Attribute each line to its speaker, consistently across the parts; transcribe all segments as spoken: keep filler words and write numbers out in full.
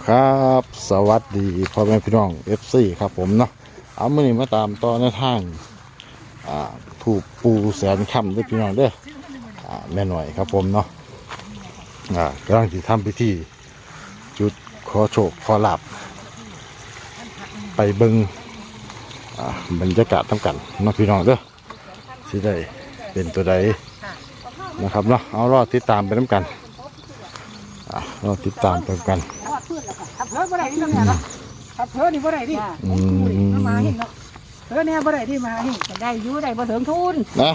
Speaker 1: ครับสวัสดีพ่อแม่พี่น้อง เอฟ ซี ครับผมเนาะเอามื่อนี้มาตามต่อในทางอ่าถูกปูแสนคำด้วยพี่น้องเด้ออ่าแม่หน่อยครับผมเนาะอ่ากำลังที่ทำพิธีจุดขอโชคขอลาบไปเบิงอ่าบรรยากาศทำกันเนาะพี่น้องเด้อสิได้เป็นตัวใดนะครับเนาะเอารอติดตามไปน้ำกันอ่ารอติดตามไปกัน
Speaker 2: ขับเพิ่มบ่ได้ที่นั่นเนาะขับเพิ่มนี่บ่ได้ที่มาหิ้งเนาะเพิ่มเนี่ยบ่ได้ที่มาหิ้งได้อยู่ได้บ่ถึงทุน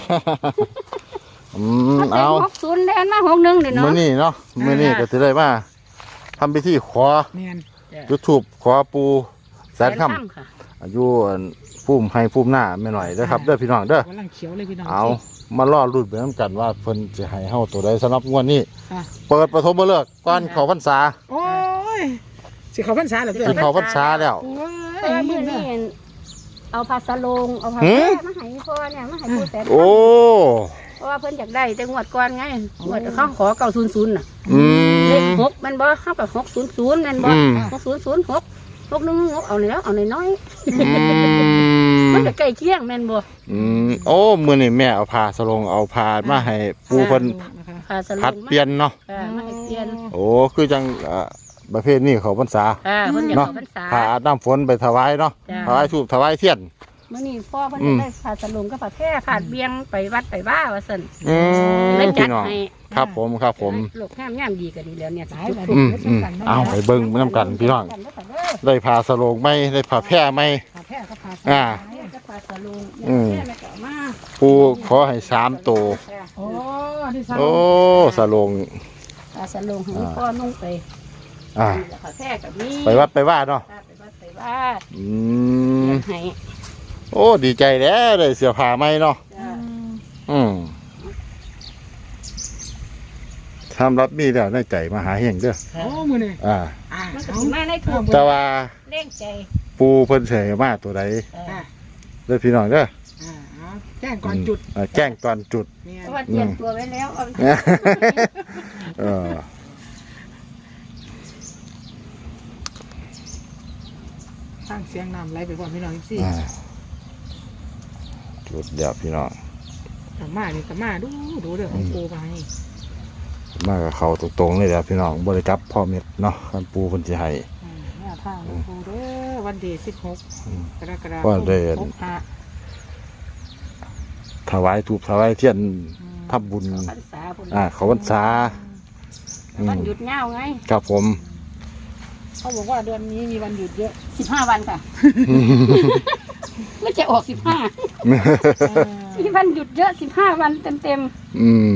Speaker 1: อืมเอา
Speaker 3: หกศูนย์ได้มาหกหนึ่งเดี๋ยวเนาะ
Speaker 1: มื้อนี้เนาะมื้อนี้ก็จะได้มาทำพิธีขอจุดธูปขอปูแสนค่ำอายุพุ่มให้พุ่มหน้าไม่หน่อยเด้อครับเด้อพี่น้องเด้อเอามาล่อรุ่นไปน้ำกันว่าเพิ่นจะให้เฮาตัวใดสำหรับงวดนี้เปิดปฐมฤกษ์ก่อนเข้าพรรษา
Speaker 2: โอ้ยสิเข้าพรรษาแล้ว
Speaker 1: สิเข้าพรรษาแล้ว
Speaker 3: เออมื้อนี้เอาผ้าสลงเอาผ้าแพร่มาให้พ่อเนี่ยมาให้ปูแสน
Speaker 1: โอ้
Speaker 3: เพราะว่าเพิ่นอยากได้แต่งวดก่อนไงงวดเขาขอเก้าศูนย์ศูนย์น่ะ
Speaker 1: อืม
Speaker 3: เลขหกมันบ่เฮากับหกศูนย์ศูนย์แม่นบ่หกศูนย์ศูนย์หกหกหนึ่งหกเอาแล้วเอาน้อยๆมันก็ใกล้เคียงแม่นบ่
Speaker 1: อืมโอ้มื้อนี้แม่เอาผ้าสลงเอาผ้ามาให้ปูเพิ่น
Speaker 3: ผ้าสลง
Speaker 1: ผัดเปลี่ยนเนาะ
Speaker 3: มาให้เปลี่ยน
Speaker 1: โอ้คือจังประเภทนี้เขาพรรษา
Speaker 3: เนาะ
Speaker 1: ผ้าอาบน้ำฝนไปถวายเนาะถวายธูปถวายเทียน
Speaker 3: มื่อนี้พ่อเพิ่นจะได้ผ้าสลงกับผ้าแพร่ผ้าเบียงไปวัดไปว่าว่าซั่น
Speaker 1: อืม
Speaker 3: พี่น้อง
Speaker 1: ครับผมครับผม
Speaker 3: ลูกงามงามดีก็ดีแล้วเนี่ยสายแบบ
Speaker 1: อืมอืมเอาไปเบิ่งไปนำกันพี่น้องได้ผ้าสลงไหมได้ผ้าแพร่ไหมอ่าอืมปูขอให้สามตัว
Speaker 2: โอ้
Speaker 1: โอ้สลง
Speaker 3: ผ้าสลงให้พ่อนุ่งไป
Speaker 1: อ่า
Speaker 3: ผ้าแพร่กับนี้
Speaker 1: ไปวัดไปว่าเนาะ
Speaker 3: ไปวัดไปว่า
Speaker 1: อืมโอ้ดีใจแล้วได้เสื้อผ้าใหม่เนาะอืมทำรับมีแล้วในใจมาหาเฮงเด้อ
Speaker 2: โอ้มื้อนี้
Speaker 1: อ่า
Speaker 3: มันก็สิมาในถูก
Speaker 1: แต่ว่า
Speaker 3: เร่งใจ
Speaker 1: ปูเพิ่นเสยมาตัวใดเด้อพี่น้องเด้อ
Speaker 2: แจ้งก่อนจุด
Speaker 1: แจ้งก่อนจุด
Speaker 3: เพราะว่าเตรียมตัวไว้แล้ว
Speaker 1: เออ
Speaker 2: สร้างเสียงน้ำไหลไปก่อนพี่น้องสิ
Speaker 1: จุดเดียวพี่น้อง
Speaker 2: กลับมานี่กลับมาดูดูเรื่องของปูไป
Speaker 1: มากับเขาตรงๆเลยเดี๋ยวพี่น้องบริกรับพ่อเม็ดเนาะกันปูคนจะให้
Speaker 2: แม่ท่าปูเด้อวันเดย์สิบหกกรกฎาคม
Speaker 1: วันเดย์ถวายถูกถวายเทียนทับบุญอ่าเขาพรรษา
Speaker 3: วันหยุดเงาไง
Speaker 1: ครับผม
Speaker 2: เขาบอกว่าเดือนนี้มีวันหยุดเยอะ
Speaker 3: สิบห้าวันค่ะไม่จะออกสิบห้ามีวันหยุดเยอะสิบห้าวันเต็มเต็ม
Speaker 1: อืม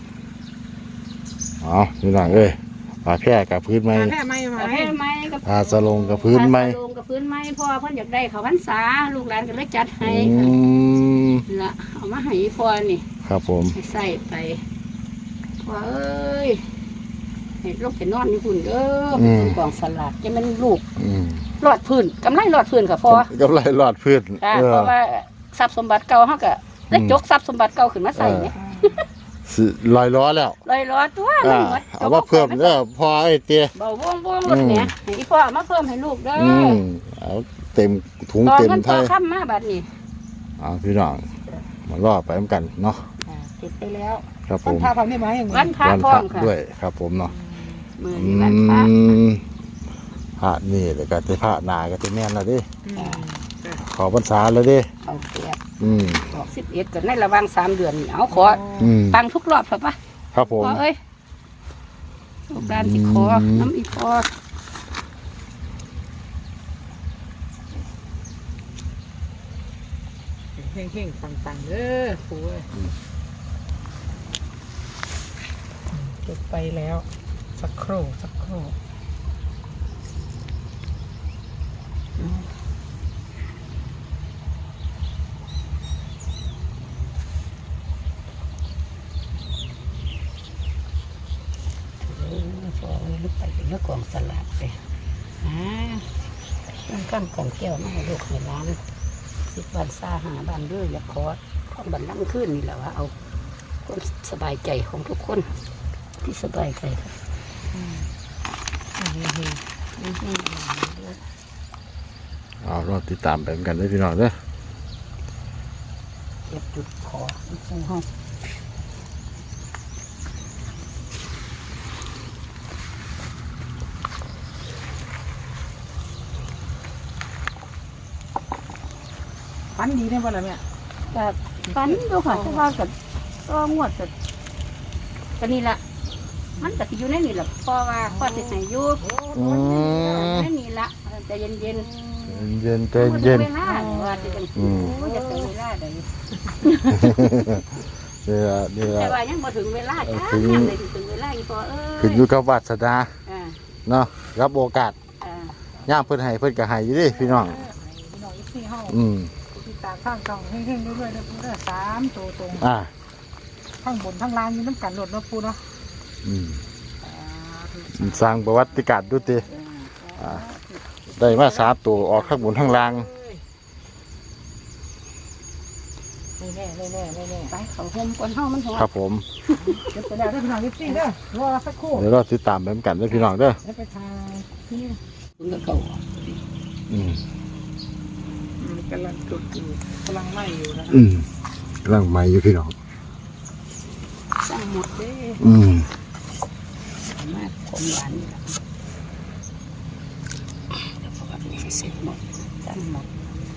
Speaker 1: เอาพี่น้องเอ้ยผ้าแพร่กับพื้นไม้
Speaker 2: ผ้าแพร่ไม้
Speaker 3: ผ้าแพร่ไม้กับ
Speaker 1: ผ้าสลงกับพื้นไม้
Speaker 3: ผ้าสลงกับพื้นไม้พ่อเพิ่นอยากได้เขาพรรษาลูกหลานก็เลยจัดให้ละเอามาให้พ่อนี่
Speaker 1: ครับผม
Speaker 3: ใส่ไปพ่อเอ้ยเห็ดลูกเห็ดนอนนี่คุณเด้อกกองสลัดจะเป็นลูกหลอดพื้นกำไรหลอดพื้นค่ะพ่อก
Speaker 1: ำไรหลอดพื้น
Speaker 3: เพราะว่าทรัพย์สมบัติเก่าเขาก็ได้จกทรัพย์สมบัติเก่าขึ้นมาใส่เนี่ย
Speaker 1: ลอยล้อแล้ว
Speaker 3: ลอยล้อตัว
Speaker 1: เอามาเพิ่มเด้อพ่อไอ้เตี้ย
Speaker 3: เบาว่องว่องรถเนี่ยให้พ่อมาเพิ่มให้ลูกเด้อ
Speaker 1: เอาเต็มถุงเต็มไทย
Speaker 3: ต่อข้ามมาบัดนี้
Speaker 1: เอาพี่น้องมาล่อไปเหมือนกันเนาะ
Speaker 3: ติดไปแล้ว
Speaker 1: ครับผม
Speaker 2: วันพระพร้อมได้ไหม
Speaker 3: วันพระพร้อมค่ะ
Speaker 1: ด้วยครับผมเนาะ
Speaker 3: มือนี้วันพระ
Speaker 1: พระนี่เลยก็จะพระนาก็จะแม่นแล้วดิขอพรรษาแล้วดิ
Speaker 3: เอาเสีย
Speaker 1: อืม
Speaker 3: ออกสิบเอ็ดกันในระหว่างสามเดือนนี่เอาขอตังทุกรอบครับปะ
Speaker 1: ครับผม
Speaker 3: เอ้ยลูกหลานสิขอน้ำอีพอ
Speaker 2: เฮงเฮงปังปังเด้อปูจุดไปแล้วสักครู่สักครู่
Speaker 3: พอมันลึกไปเป็นเรื่องกองสลัดไปอ่าต้องกั้มกองแก้วมาให้ลูกให้ร้านสิบวันซาหาบ้านด้วยอย่าคอของบันลังขึ้นนี่แหละว่าเอาคนสบายใจของทุกคนที่สบายใจครับ
Speaker 1: เอาเราติดตามไปเหมือนกันได้อพี่น้องเด้อ
Speaker 3: เก็บจุดขอปูห้อง
Speaker 2: ฟันดีได้บ่ล่ะแม่
Speaker 3: ก็ฟันดูค่ะแต่ว่าก็ก็งวดก็ก็นี่ละมันก็สิอยู่ในนี่แหละเพราะว่าพ่อสิให้อยู่
Speaker 1: อืม
Speaker 3: ในนี่ละใจเย็นๆ
Speaker 1: เย็นเย็นใจ
Speaker 3: บ่ถึ
Speaker 1: เย็
Speaker 3: ง
Speaker 1: น
Speaker 3: เวลาว่าจะเป็น
Speaker 1: อืม
Speaker 3: โอ้ยจะถึงเวลาใด
Speaker 1: นี่ละนี่ละ
Speaker 3: แต่ว่ายังบ่ถึงเวลาจ้า
Speaker 1: ถึง
Speaker 3: ยังได้ถึงเวลาอีพอเอ้ย
Speaker 1: ขึ้นอยู่กับวาสนา
Speaker 3: อ่า
Speaker 1: เนาะรับโอกาส
Speaker 3: อ่า
Speaker 1: ย่ามเพิ่นให้เพิ่นก็ให้อยู่เดิพี่น้อง
Speaker 2: พี่น้องอีกสี่เฮา
Speaker 1: อืม
Speaker 2: ติดตามข้างกล่องเฮงๆเรื่อยๆเด้อปูเด้อสามตัวตรง
Speaker 1: อ่า
Speaker 2: ข้างบนข้างล่างมีน้ำกันโดดเนาะปูเนาะ
Speaker 1: อืมสร้างประวัติการณ์ดูติอ่าได้มาสามตัวออกข้างบนข้างล่าง
Speaker 2: แน่ๆแน่ๆแน่
Speaker 3: ไปเขาห่มก่อนเฮามันหัว
Speaker 1: ครับผม
Speaker 2: ๆเก็บไปแล้วเด้อพี่น้องอีกสี่เด้อรอสักครู่
Speaker 1: เดี๋ยวเราติดตามไปเหมือนกันเด้อพี่น้องเด้อ
Speaker 2: แล้วไปทายนี่
Speaker 3: คุณก็เขา
Speaker 1: อืม
Speaker 2: มันกำลังจุดอยู่กำลังไหม้อยู่นะ
Speaker 1: อืมกำลังใหม่อยู่พี่น้อง
Speaker 3: สร้างหมดเด้
Speaker 1: อืม
Speaker 3: มาของหวานนี่ล่ะแล้วพอแบบนี้เสร็จหมดสร้างหมด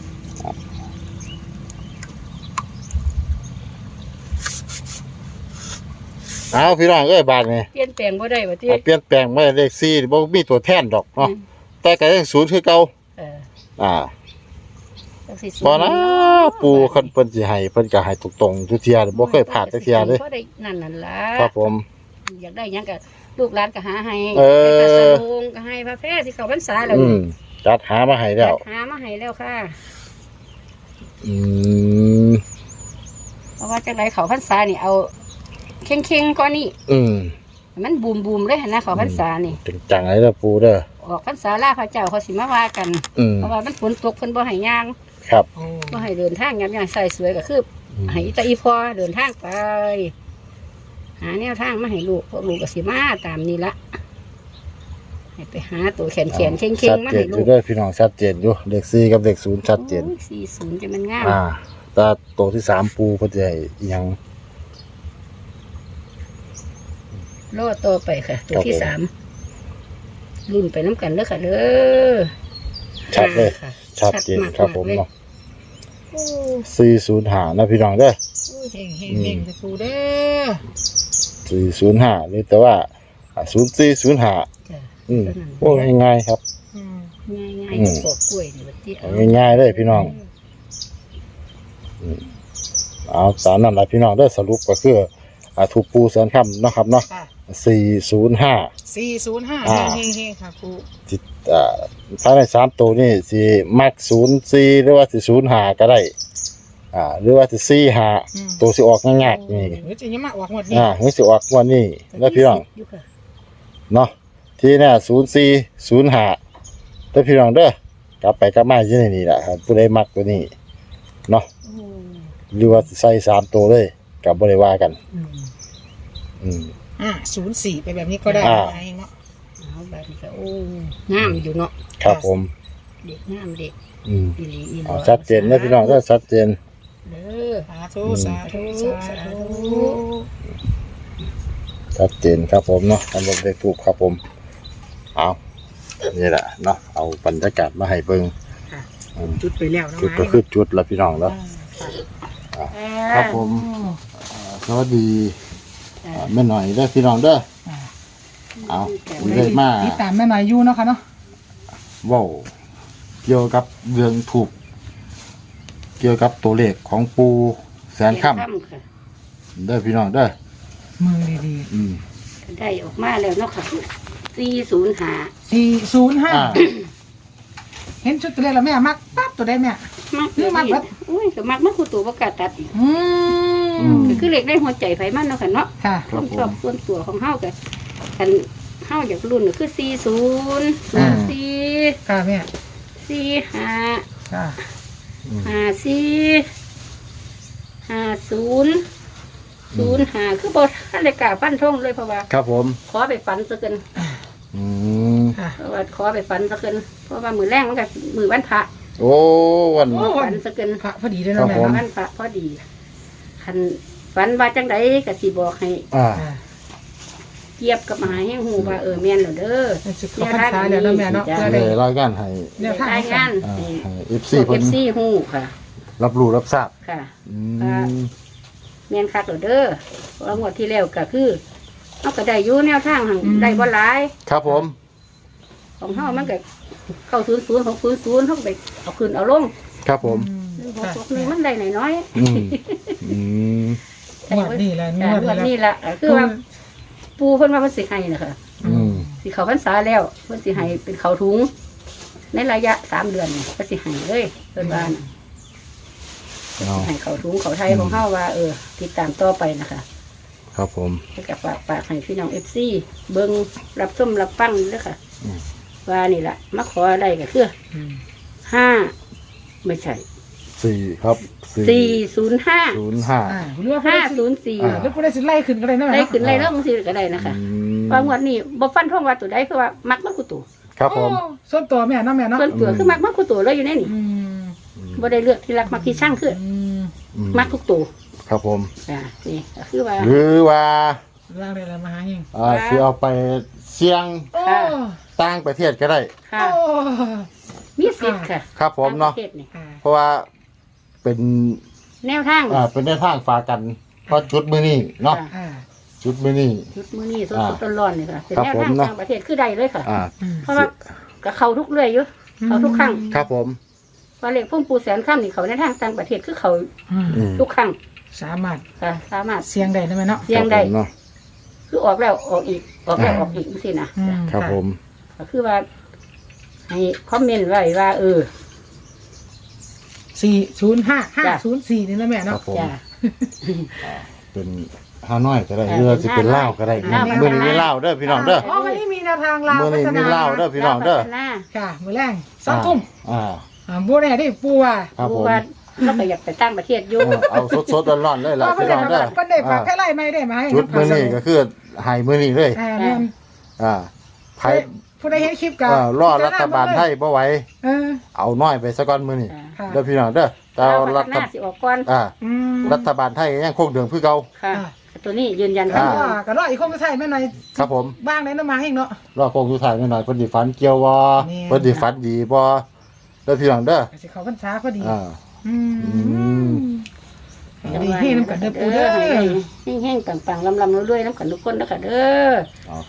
Speaker 1: เอาพี่น้องเอ้ยบาทนี่
Speaker 3: เปลี่ยนแปลงบ่ได้บ่ติ
Speaker 1: เอาเปลี่ยนแปลงไม่เลขสี่บ่มีตัวแทนดอกเนาะแต่ก็ยังศูนย์คือเก่า
Speaker 3: เออ
Speaker 1: อ่า
Speaker 3: จังสิ
Speaker 1: พอนะปูคันเพิ่นสิให้เพิ่นก็ให้ตรงๆทุกเที่ยบ่เคยพลาดจักเที่ยเลย
Speaker 3: บ่ได้นั่นนั่นล่ะ
Speaker 1: ครับผม
Speaker 3: อยากได้หยังก็ลูกหลานก็หาให้
Speaker 1: เออ
Speaker 3: ไปกระสงก็ให้พระแพร่สิเข้าพรรษาแล้ว
Speaker 1: อื
Speaker 3: นี่
Speaker 1: มจัดหามาให้แล้ว
Speaker 3: หามาให้แล้วค่ะ
Speaker 1: อืม
Speaker 3: เพราะว่าจังไดเข้าพรรษานี่เอาเข่งๆก่อนนี่
Speaker 1: อืม
Speaker 3: มันบูมๆเลยหั่นนะเข้าพรรษานี่
Speaker 1: จริงจังเลยเด้อปูเด้อ
Speaker 3: ออกพรรษาลาพระเจ้าเขาสิมาว่ากัน
Speaker 1: อืม
Speaker 3: เพราะว่ามันฝนตกเพิ่นบ่ให้ย่าง
Speaker 1: ครับ
Speaker 2: โอ้
Speaker 3: บ่ให้เดินทางยามย่างใส่สวยก็คือให้อีตาอีพอเดินทางไป หาแนวทางมาให้ลูกพวกลูกก็สิมาตามนี้ละให้ไปหาตัวแขนแขนๆเข่ง
Speaker 1: ชัด
Speaker 3: ๆมา
Speaker 1: เจ
Speaker 3: ให้
Speaker 1: นอ
Speaker 3: ลู
Speaker 1: ยู่
Speaker 3: ก
Speaker 1: เด้วยพี่น้องชัดเจนอยู่เลขสี่กับเลขศูนย์ชัดเจน
Speaker 3: โอ้ยสี่ศูนย์จะมันงาม
Speaker 1: อ่าแต่ตัวที่สามปูเพิ่นจะให้อิหยัง
Speaker 3: รอต่อไปค่ะ ตัวที่
Speaker 1: ครับผม
Speaker 3: สามรุ่นไปน้ำกันเด้อค่ะเด้อ
Speaker 1: ชัดเลย
Speaker 3: ค่ะ
Speaker 1: ชัดเจน
Speaker 3: มาก
Speaker 1: ครับผม
Speaker 3: เลย
Speaker 1: เนาะ
Speaker 3: โอ้
Speaker 1: สี่ศูนย์ห้านะพี่น้องเด้อ
Speaker 2: เฮงเฮงเฮงจะปูเด้อ
Speaker 1: สี่ศูนย์ห้าหรือแต่ว่าศูนย์สี่ศูนย์ห้า
Speaker 3: จ้ะ
Speaker 1: อืมโอ้ง่ายๆครับ
Speaker 2: อืม
Speaker 3: ง่ายง่าย
Speaker 1: อืม
Speaker 3: ปอกกล้วยนี่บัดนี้
Speaker 1: เอาง่ายๆเลยพี่น้องเอาตามนั้นแหละพี่น้องได้อสรุปก็คืออ่าถูกปูแสนคำเนาะครับเนาะ
Speaker 2: ค่ะ
Speaker 1: สี่ศูนย์ห้า
Speaker 2: สี่ศูนย์ห้า
Speaker 1: อ่า
Speaker 2: เฮงเฮงเฮงค่ะปู
Speaker 1: ที่อ่าภายในสามตัวนี่สิมักศูนย์สี่หรือว่าสิศูนย์ห้าก็ได้อ่าหรือว่าสิสี่ห้าตัวสิออกง่ายๆนี่
Speaker 2: เฮ้ยจะยังมาออกหมดนี่
Speaker 1: อ่าเฮ้ยสิออกวันนี้แล้วพี่น้อง
Speaker 3: อยู่ค่ะ
Speaker 1: เนาะที่เนี่ยศูนย์สี่ศูนย์ห้าแล้วพี่น้องเด้อกลับไปกลับมาที่นี่แหละครับผู้ใดมักตัวนี้เนาะ
Speaker 3: โอ้
Speaker 1: หรือว่าสิใส่สามตัวเลยกับบริวากัน
Speaker 3: อืม
Speaker 1: อืม
Speaker 2: อ่าศูนย์สี่ไปแบบนี้ก็ได้
Speaker 1: อ่า
Speaker 2: ไงเนาะ
Speaker 3: เอาแบบนี้ก็โอ้งามอยู่เนาะ
Speaker 1: ครับผม
Speaker 3: เด็กงามเด็ก
Speaker 1: อืม
Speaker 3: อีหลีอีหล
Speaker 1: เอาชัดเจนนะพี่น้องก็ชัดเจน
Speaker 3: เด้อ
Speaker 2: สาธุสาธุสาธุ
Speaker 1: ชัดเจนครับผมเนาะทำแบบเด็กถูกครับผมเอานี่แหละเนาะเอาบรรยากาศมาให้เบิ่งอืม
Speaker 2: จุดไปแล้วนะ
Speaker 1: จุดก็คือจุดแล้วพี่น้องเนาะ
Speaker 3: อ่า
Speaker 1: ครับผมอ่าสวัสดีอ่าแม่หน่อยเด้อพี่น้องเด้อเอาเลยมา
Speaker 2: ติดตามแม่หน่อยอยู่เนาะค่ะเนาะ
Speaker 1: เว้าเกี่ยวกับเรื่องถูก เกี่ยวกับตัวเลขของปูแสนค่
Speaker 3: ค่ะ
Speaker 1: ำเด้อพี่น้องเด้อ
Speaker 2: มือดี
Speaker 1: อืม
Speaker 3: ได้ออกมาแล้วเนาะค่ะสี่ศูนย์ห้า
Speaker 2: ๆสี่ศูนย์ห้า
Speaker 1: อ่า
Speaker 2: เห็นชุดตัวเลขแล้วแม่มักปั๊บตัวได้แม่
Speaker 3: มัก
Speaker 2: คือมักเบิด
Speaker 3: อุ้ยก็มักมันคือตัวประกาศตัดอีก
Speaker 2: อื
Speaker 1: อื
Speaker 2: ม
Speaker 1: ม
Speaker 3: ก็คือเล็กได้หัวใจไฟมันเนาะค่ะเนาะ
Speaker 2: ค่ะ
Speaker 3: ความชอบส่วนตัวของเฮากันกันเฮาอยากรุ่นก็คือสี่ศูนย์ศูนย์สี่
Speaker 2: ค่ะแม่
Speaker 3: สี่ห้า
Speaker 2: ค่ะ
Speaker 3: ห้าสี่ห้าศูนย์ศูนย์ห้าคือบทท่านได้กล้าปั้นท่งเลยเพราะว่า
Speaker 1: ครับผม
Speaker 3: ขอไปฝันซะกัน
Speaker 1: อืม
Speaker 2: ค่ะ
Speaker 3: เพราะว่าขอไปฝันซะเกินเพราะว่ามือแรงมันก็มือวันพระ
Speaker 1: โอ้วัน
Speaker 2: โอ้
Speaker 3: ฝันซะเกิน
Speaker 2: พระพอดีเลยเนาะ
Speaker 1: ครั
Speaker 2: แม่
Speaker 1: บผม
Speaker 2: เนาะ
Speaker 3: วันพระพอดีคันฝันว่าจังไดก็สิบอกให้
Speaker 1: อ่า
Speaker 2: อ่า
Speaker 3: เกียบกับมหาแห่งหูว่าเออแม่นแล้วเด้อ
Speaker 2: เป็นสิบเข้าพรรษาแล้วเนาะแม่เนาะ
Speaker 3: จ้ะ
Speaker 2: เพื่อ
Speaker 1: เล
Speaker 2: ได้
Speaker 1: ยรายงานให้
Speaker 2: แนวทาง
Speaker 3: รายงาน
Speaker 1: อ่า
Speaker 3: ให้
Speaker 1: ให้
Speaker 3: พ
Speaker 1: เอฟ ซี
Speaker 3: วก
Speaker 1: เพิ่น
Speaker 3: เอฟซีหูค่ะ
Speaker 1: รับรู้รับทราบ
Speaker 3: ค่ะ
Speaker 1: อื
Speaker 3: อ่า
Speaker 1: ม
Speaker 3: แม่นคักแล้วเด้อเพราะว่างวดที่แล้วก็คือเฮาก็ได้อยู่แนวทางหั่นได้บ่หลาย
Speaker 1: ครับผม
Speaker 3: ของเฮามันก็เข้าศูนย์ศูนย์ของศูนย์ศูนย์เฮาก็ไปเอาขึ้นเอาลง
Speaker 1: ครับผม
Speaker 3: หนึ่งหกหกหนึ่งมันได้น้อย
Speaker 1: อืมอืม
Speaker 2: งวดนี้แหละ
Speaker 3: ๆ
Speaker 2: ง
Speaker 3: แต่
Speaker 2: วด
Speaker 3: งวด
Speaker 2: นี้
Speaker 3: นี้
Speaker 2: แหละ
Speaker 3: ล่ะคือว่าปูเพิ่นว่าเพิ่นสิให้นะคะ
Speaker 1: อืม
Speaker 3: สิเข้าพรรษาแล้วเพิ่นสิให้เป็นเขาวถุง ในระยะสามเดือนนี่ก็สิให้เลยเพิ่นว่าน่ะ
Speaker 1: เอา
Speaker 3: ให้เขาวถุงเขาวไทยของเฮาว่าเออติดตามต่อไปนะคะ
Speaker 1: ครับผม
Speaker 3: ให้กับฝากฝากให้พี่น้อง เอฟ ซี เบิ่งรับชมรับฟังเด้อค่ะ
Speaker 1: อืม
Speaker 3: ว่านี่ล่ะมาขออะไรก็คือ
Speaker 2: อืม
Speaker 3: ห้าไม่ใช่
Speaker 1: สี่ครับ
Speaker 3: สี่ศูนย์ห้า
Speaker 1: ศูนย์ห้า
Speaker 2: อ่าหรือว่า
Speaker 3: ห้า
Speaker 2: ห้า
Speaker 3: ศูนย์สี่
Speaker 1: อ่า
Speaker 2: หรือผู้ใดสิไล่ขึ้นก็ได้เนาะแม่
Speaker 3: ได้
Speaker 2: เนาะ
Speaker 3: ขึ้นไล่เรื่องสิก็ได้นะคะ
Speaker 1: อืม
Speaker 3: ว่างวดนี้บ่ฟันท่องว่าตัวใดคือว่ามักมักกูตัว
Speaker 1: ครับผม
Speaker 2: โอ้ส่วนตัวแม่เนาะแม่เนาะ
Speaker 3: ส่วนตัวคือมักมักกูตัวเลยอยู่ในนี่
Speaker 2: อืม
Speaker 3: บ่ได้เลือกที่รักมักที่ช่างคือ
Speaker 2: อืม
Speaker 1: อืม
Speaker 3: มักทุกตัว
Speaker 1: ครับผม
Speaker 3: อ่านี่ก็คือว่า
Speaker 1: หรือว่า
Speaker 2: ล่างได้แล้วมาหาเฮง
Speaker 1: อ่าสิเอาไปเสี่ยง
Speaker 2: โอ้
Speaker 1: ต่างประเทศก็ได้
Speaker 3: ค่ะ
Speaker 2: โอ้
Speaker 3: มีสิทธิ์ค่ะ
Speaker 1: ครับผมเนาะ
Speaker 3: ต่งประทศนี่
Speaker 2: อ่า
Speaker 1: เพราะว่าเป็น
Speaker 3: แนวทาง
Speaker 1: อ่าเป็นในทางฝากกันเพราะจุดมือนี่เนาะ
Speaker 3: ค่ะ
Speaker 2: อ่า
Speaker 1: จุดมือนี่
Speaker 3: ชุดมื้อนี้ส
Speaker 1: อ่า
Speaker 3: ดๆร้อนๆนี่ค่ะเป็น
Speaker 1: ครับ
Speaker 3: แนว
Speaker 1: ผม
Speaker 3: ทาง
Speaker 1: เนาะ
Speaker 3: ต่างประเทศคือใดเลยค่ะ
Speaker 1: อ่า
Speaker 2: อืม
Speaker 3: เพราะว่าก็เข้าทุกเรื่อยอยู่ เขาทุกครั้ง
Speaker 1: ครับผม
Speaker 3: ว่าเลขพุ่มปูแสนข้ามนี่เขาในทางต่างประเทศคือเขา
Speaker 2: อืม
Speaker 1: อืม
Speaker 3: ทุกครั้ง
Speaker 2: สามารถ
Speaker 3: ค่ะสามารถ
Speaker 2: เสียงได้นะแม่เนาะ
Speaker 3: เสี่ยงได้
Speaker 1: ครับผมเนาะ
Speaker 3: คือออกแล้วออกอีกออกแล้วออกอีกสินะ
Speaker 2: อืม
Speaker 1: ครับผม
Speaker 3: ก็คือว่า ให้คอมเมนต์ไว้ว่า เออ
Speaker 2: สี่ศูนย์ห้าห้า
Speaker 3: จ้ะ
Speaker 2: ศูนย์สี่นี่นะแม่
Speaker 1: ครั
Speaker 2: เนาะ
Speaker 1: บผม
Speaker 3: จ้า
Speaker 1: เป็นฮานอยก็ได้
Speaker 3: อ่า
Speaker 1: เรือสิเป็นเล่าวก็ได้
Speaker 3: ลาว
Speaker 1: มือนี้มีเล่าวเด้อพี่น้องเด้อ
Speaker 2: อ๋อวันนี้มีแนวทางลาว
Speaker 1: มื้อนี้
Speaker 2: พัฒ
Speaker 1: มีลาวเด้อ พี่น้องเด้อ
Speaker 3: พัฒนา
Speaker 2: ค่ะมื้อแรงสองทุ่ม
Speaker 1: อ่า
Speaker 2: อ่าบัวแน่ได้ปูว่า
Speaker 1: ครับ
Speaker 3: ดู
Speaker 1: ผม
Speaker 3: ว่าเราก็อยากไปตั้งประเทศอยู่
Speaker 1: เออเอาสดๆร้อนๆเลยล่ะ
Speaker 2: ว่าเพิ่
Speaker 1: พี่
Speaker 2: น
Speaker 1: น้
Speaker 2: ได้
Speaker 1: องเด้อ
Speaker 2: เพิ่นได้ฝาก
Speaker 1: อ่า
Speaker 2: แค่ไล่ไม่ได้มาให้
Speaker 1: จุดมือนี่ก็คือใหายมือนี่เลย
Speaker 2: อ่าแม่น
Speaker 1: อ่าไผ
Speaker 2: ผู้ใดเห็นคลิปกั
Speaker 1: เอ่อรอรัฐบาลไทยบ่ไหว
Speaker 2: เออ
Speaker 1: เอาน้อยไปซะก่อนมือนี่
Speaker 2: ค่ะ
Speaker 1: เด้อพี่น้องเด้อแต่
Speaker 3: เรา
Speaker 1: เอา
Speaker 3: พั
Speaker 1: รั
Speaker 3: ฒ
Speaker 1: ฐ
Speaker 3: นาสิออกก่อน
Speaker 1: อ่า
Speaker 2: อืม
Speaker 1: รัฐบาลไทยยังคงเดิมคือเก่า
Speaker 3: ค่ะ
Speaker 2: อ่า
Speaker 3: ตัวนี้ยืนยัน
Speaker 1: อ่า
Speaker 3: ว่า
Speaker 2: ว่าก็รออีกคนก็ใช่แม่หน่อย
Speaker 1: ครับผม
Speaker 2: บ้างได้น้ำมาให้เนาะ
Speaker 1: รอคงสุดท้ายหน่อยๆเพิ่นสิฝันเกี่ยวบ่
Speaker 2: แม่น
Speaker 1: เพิ่นสิฝันดีบ่เด้อพี่น้องเด้อ
Speaker 2: ก็สิเขาพรรษาพอดี
Speaker 1: อ่า
Speaker 2: อื
Speaker 1: ม
Speaker 2: มดีให้น้ำกันเด้อปูเด้อ
Speaker 3: ให้แห้งๆปังๆลำๆรวยๆน้ำกันทุกคนนะคะเด้อ
Speaker 1: เอา